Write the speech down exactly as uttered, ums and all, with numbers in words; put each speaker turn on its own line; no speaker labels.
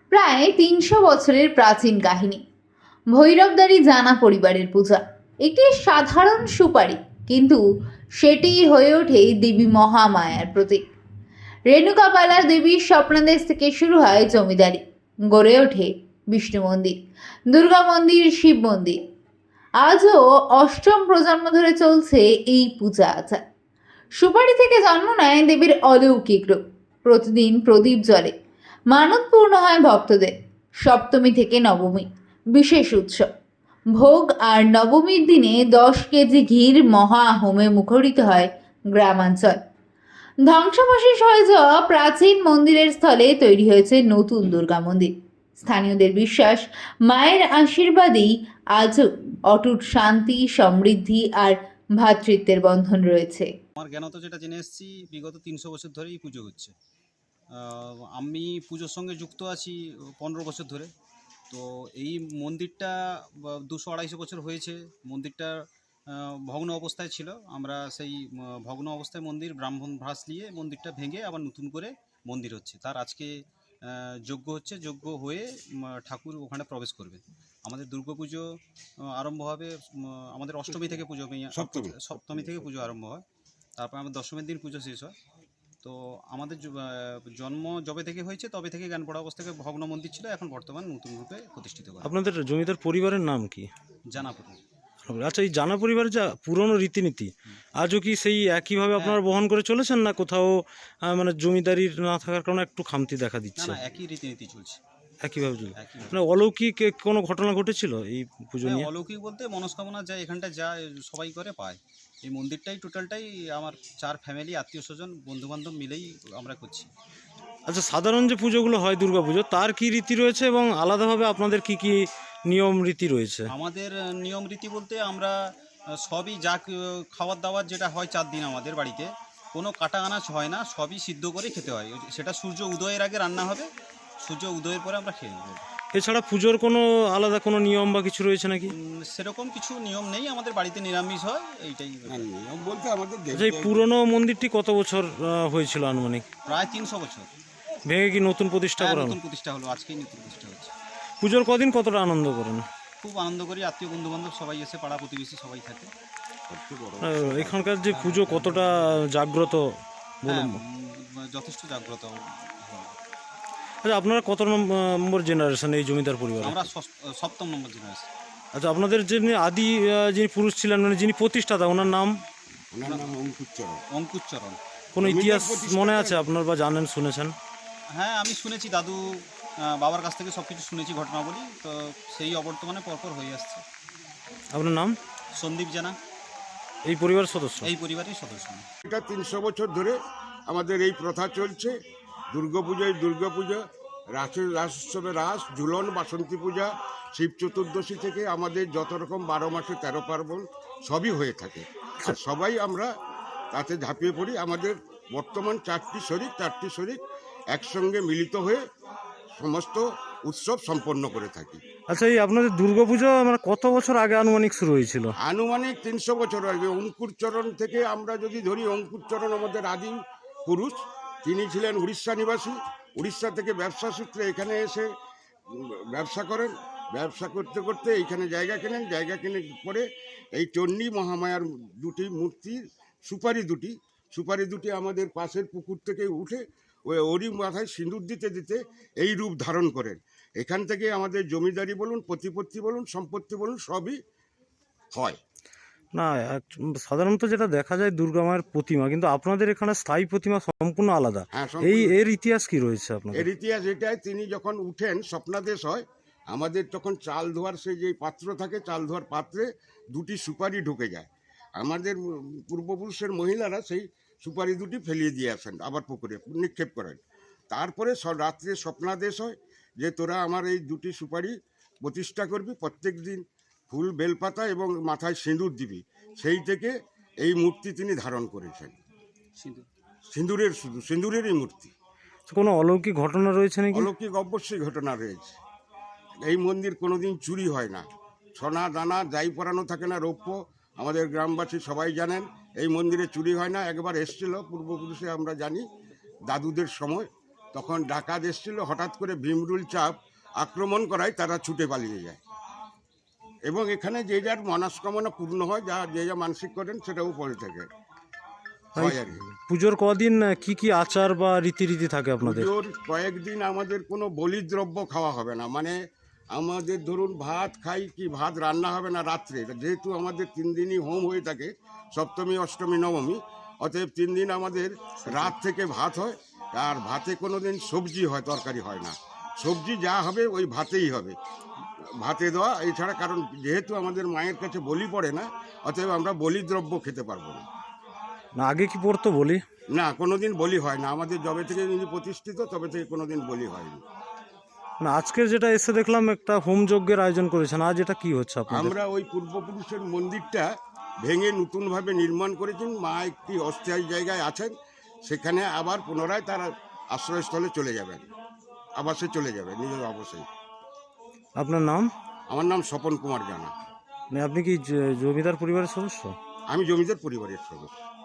প্রায় তিনশো বছরের প্রাচীন কাহিনী। ভৈরবদারি জানা পরিবারের পূজা একটি সাধারণ সুপারি, কিন্তু সেটি হয়ে ওঠে দেবী মহামায়ার প্রতীক। রেণুকাপালা দেবীর স্বপ্নাদেশ থেকে শুরু হয় জমিদারি, গড়ে ওঠে বিষ্ণু মন্দির, দুর্গা মন্দির, শিব মন্দির। আজও অষ্টম প্রজন্ম ধরে চলছে এই পূজা আচার। সুপারি থেকে জন্ম নেয় দেবীর অলৌকিক রূপ। প্রতিদিন প্রদীপ জ্বলে, মানত পূর্ণ হয় ভক্তদের। সপ্তমী থেকে নবমী বিশেষ উৎসব ভোগ, আর নবমীর দিনে দশ কেজি ঘির মহা হোমে মুখরিত হয় গ্রামাঞ্চল। ধ্বংসাবশেষ হয়ে যাওয়া প্রাচীন মন্দিরের স্থলে তৈরি হয়েছে নতুন দুর্গা মন্দির। স্থানীয়দের বিশ্বাস, মায়ের আশীর্বাদেই আজও অটুট শান্তি, সমৃদ্ধি আর ভ্রাতৃত্বের বন্ধন রয়েছে।
আমার জ্ঞানত যেটা জেনে এসেছি, বিগত তিনশো বছর ধরেই পুজো হচ্ছে। আহ, আমি পুজোর সঙ্গে যুক্ত আছি পনেরো বছর ধরে। তো এই মন্দিরটা দুশো আড়াইশো বছর হয়েছে। মন্দিরটা আহ, ভগ্ন অবস্থায় ছিল। আমরা সেই আহ, ভগ্ন অবস্থায় মন্দির ব্রাহ্মণ ভ্রাস নিয়ে মন্দিরটা ভেঙে আবার নতুন করে মন্দির হচ্ছে। তার আজকে আহ, যজ্ঞ হচ্ছে। যজ্ঞ হয়ে উম, ঠাকুর ওখানে প্রবেশ করবে। আমাদের দুর্গাপুজো আহ, আরম্ভ হবে উম, আমাদের অষ্টমী থেকে পুজো
সপ্তমী
সপ্তমী থেকে পুজো আরম্ভ হয়। তারপর আমার দশমীর দিন পুজো শেষ হয়। তো আমাদের জ- আহ, জন্ম যবে থেকে হয়েছে তবে থেকে জ্ঞান পড়া অবস্থায় ভগ্ন মন্দির ছিল, এখন বর্তমান নতুন রূপে প্রতিষ্ঠিত করা
আপনাদের জমিদার পরিবারের নাম কি?
জানাপুর।
আচ্ছা, এই জানা পরিবারের যা পুরনো রীতিনীতি আজও কি সেই একইভাবে আপনারা বহন করে চলেছেন, না কোথাও আহ, মানে জমিদারির না থাকার কারণে একটু খামতি দেখা
না
দিচ্ছে?
না, একই রীতিনীতি চলছে।
একইভাবে চলছে।
একই
মানে অলৌকিক এ কোনো ঘটনা ঘটেছিল এই পুজো
হ্যাঁ,
নিয়ে?
অলৌকিক বলতে মনস্কামনা যা এখানটা যা সবাই করে পায়। এই মন্দিরটাই টোটালটাই আমার চার ফ্যামিলি, আত্মীয় স্বজন, বন্ধু বান্ধব মিলেই আমরা করছি।
আচ্ছা, সাধারণ যে পুজোগুলো হয় দুর্গাপুজো, তার কি রীতি রয়েছে এবং আলাদাভাবে আপনাদের কি কি নিয়ম রীতি রয়েছে?
আমাদের আহ, নিয়ম রীতি বলতে আমরা আহ, সবই যা ক- খাবার দাবার যেটা হয় চার দিন আমাদের বাড়িতে কোনো কাটা আনাজ হয় না, সবই সিদ্ধ করে খেতে হয়। ওই- সেটা সূর্য উদয়ের আগে রান্না হবে, সূর্য উদয়ের পরে আমরা খেয়ে নেব।
এছাড়া পুজোর কোনো আলাদা কোনো নিয়ম বা কিছু রয়েছে নাকি?
উম, সেরকম কিছু নিয়ম নেই, আমাদের বাড়িতে নিরামিষ হয়, এইটাই।
না, নিয়ম বলতে আমাদের
আচ্ছা, এই পুরনো মন্দিরটি কত বছর আহ, হয়েছিল আনুমানিক?
প্রায় তিনশো বছর।
ভেঙে কি নতুন প্রতিষ্ঠা
হ্যাঁ,
করা হলো?
নতুন প্রতিষ্ঠা হলো, আজকেই নতুন প্রতিষ্ঠা হচ্ছে।
পুজোর কদিন কতটা আনন্দ করেন?
খুব আনন্দ করি, আত্মীয় বন্ধু বান্ধব সবাই এসে, পাড়া প্রতিবেশী সবাই থাকে।
আহ, এখানকার যে পুজো কতটা জাগ্রত
হ্যাঁ,
বলুন।
উম, যথেষ্ট জাগ্রত।
আচ্ছা, আপনারা কত নম্বর জেনারেশন এই জমিদার পরিবার?
আমরা ষষ্ঠ- সপ্তম নম্বর জেনারেশন।
আচ্ছা, আপনাদের যিনি আদি আহ, যিনি পুরুষ ছিলেন, মানে যিনি প্রতিষ্ঠাতা, ওনার নাম?
ওনার নাম অঙ্কুরচরণ।
অঙ্কুরচরণ।
কোনো
জমিদার
ইতিহাস
প্রতিষ্ঠাতা?
মনে আছে আপনার বা জানেন, শুনেছেন?
হ্যাঁ, আমি শুনেছি, দাদু আহ, বাবার কাছ থেকে সব কিছু শুনেছি ঘটনাবলী। তো সেই অবর্তমানে পরপর হয়ে আসছে।
আপনার নাম?
সন্দীপ জানা,
এই পরিবারের সদস্য?
এই পরিবারের সদস্য।
এটা তিনশো বছর ধরে আমাদের এই প্রথা চলছে। দুর্গাপূজায় দুর্গাপূজা, রাসের রাস উৎসবে রাস, ঝুলন, বাসন্তী পূজা, শিব চতুর্দশী থেকে আমাদের যত রকম বারো মাসে তেরো পার্বণ সবই হয়ে থাকে। আর সবাই আমরা তাতে ঝাঁপিয়ে পড়ি। আমাদের বর্তমান চারটি শরিক চারটি শরিক একসঙ্গে মিলিত হয়ে সমস্ত উৎসব সম্পন্ন করে থাকি।
আচ্ছা, এই আপনাদের দুর্গাপুজো মানে কত বছর আগে আনুমানিক শুরু হয়েছিল?
আনুমানিক তিনশো বছর আগে অঙ্কুরচরণ থেকে আমরা যদি ধরি, অঙ্কুরচরণ আমাদের আদিম পুরুষ। তিনি ছিলেন উড়িষ্যা নিবাসী। উড়িষ্যা থেকে ব্যবসা সূত্রে এখানে এসে উম, ব্যবসা করেন। ব্যবসা করতে করতে এইখানে জায়গা কেনেন। জায়গা কিনে পরে এই চণ্ডী মহামায়ার দুটি মূর্তি, সুপারি দুটি সুপারি দুটি আমাদের পাশের পুকুর থেকে উঠে ওই ওরই মাথায় সিঁদুর দিতে দিতে এই রূপ ধারণ করেন। এখান থেকে আমাদের জমিদারি বলুন, প্রতিপত্তি বলুন, সম্পত্তি বলুন, সবই হয়।
না, এক- সাধারণত যেটা দেখা যায় দুর্গা মায়ের প্রতিমা, কিন্তু আপনাদের এখানে স্থায়ী প্রতিমা সম্পূর্ণ আলাদা।
হ্যাঁ,
এই
সম্পূর্ণ।
এর ইতিহাস কি রয়েছে আপনাদের?
এর ইতিহাস এটাই, তিনি যখন উঠেন স্বপ্নাদেশ হয়। আমাদের তখন চাল ধোয়ার সেই যে পাত্র থাকে, চাল ধোয়ার পাত্রে দুটি সুপারি ঢুকে যায়। আমাদের পূর্বপুরুষের মহিলারা সেই সুপারি দুটি ফেলিয়ে দিয়ে আসেন, আবার পুকুরে নিক্ষেপ করেন। তারপরে স- রাত্রে স্বপ্নাদেশ হয় যে তোরা আমার এই দুটি সুপারি প্রতিষ্ঠা করবি, প্রত্যেক দিন ফুল বেলপাতা এবং মাথায় সিঁদুর দিবি। সেই থেকে এই মূর্তি তিনি ধারণ করেছেন।
সিন্ধু।
সিঁদুরের, শুধু সিঁদুরেরই মূর্তি।
কোনো অলৌকিক ঘটনা রয়েছে নাকি?
অলৌকিক অবশ্যই ঘটনা রয়েছে। এই মন্দির কোনোদিন চুরি হয় না। সোনা দানা যাই পরানো থাকে না, রৌপ্য, আমাদের গ্রামবাসী সবাই জানেন এই মন্দিরে চুরি হয় না। একবার এসেছিল পূর্বপুরুষে, আমরা জানি দাদুদের সময়, তো তখন ডাকাত এসেছিল, হঠাৎ করে ভীমরুল চাপ আক্রমণ করায় তারা ছুটে পালিয়ে যায়। এবং এখানে যে যার মনস্কামনা পূর্ণ হয়, যা যে যা মানসিক করেন সেটাও পরে থাকে হয় আর কি।
পুজোর কদিন কি কি আচার বা রীতিরীতি থাকে আপনাদের?
পুজোর কয়েকদিন আমাদের কোনো বলিদ্রব্য খাওয়া হবে না, মানে আমাদের ধরুন ভাত খাই কি ভাত রান্না হবে না রাত্রে, যেহেতু আমাদের তিন দিনই হোম হয়ে থাকে, সপ্তমী অষ্টমী নবমী, অতএব তিন দিন আমাদের রাত থেকে ভাত হয়। আর ভাতে কোনো দিন সবজি হয়, তরকারি হয় না। সবজি যা হবে ওই ভাতেই হবে, ভাতে দেওয়া এছাড়া, কারণ যেহেতু আমাদের মায়ের কাছে বলি পড়ে না, অতএব আমরা বলিদ্রব্য খেতে পারবো না।
না আগে কি পড়তো বলি?
না, কোনোদিন বলি হয় না আমাদের, যবে থেকে যিনি প্রতিষ্ঠিত তবে থেকে কোনোদিন বলি হয়নি।
না আজকে যেটা এসে দেখলাম একটা হোম যজ্ঞের আয়োজন করেছেন, আজ এটা কি হচ্ছে আপনাদের?
আমরা ওই পূর্বপুরুষের মন্দিরটা ভেঙে নতুনভাবে নির্মাণ করেছেন, মা একটি অস্থায়ী জায়গায় আছেন, সেখানে আবার পুনরায় তারা আশ্রয়স্থলে চলে যাবেন, আবাসে চলে যাবেন, নিজের আবাসে।
আপনার নাম?
আমার নাম স্বপন কুমার জানা।
মানে আপনি কি জ- জমিদার পরিবারের সদস্য?
আমি জমিদার পরিবারের সদস্য।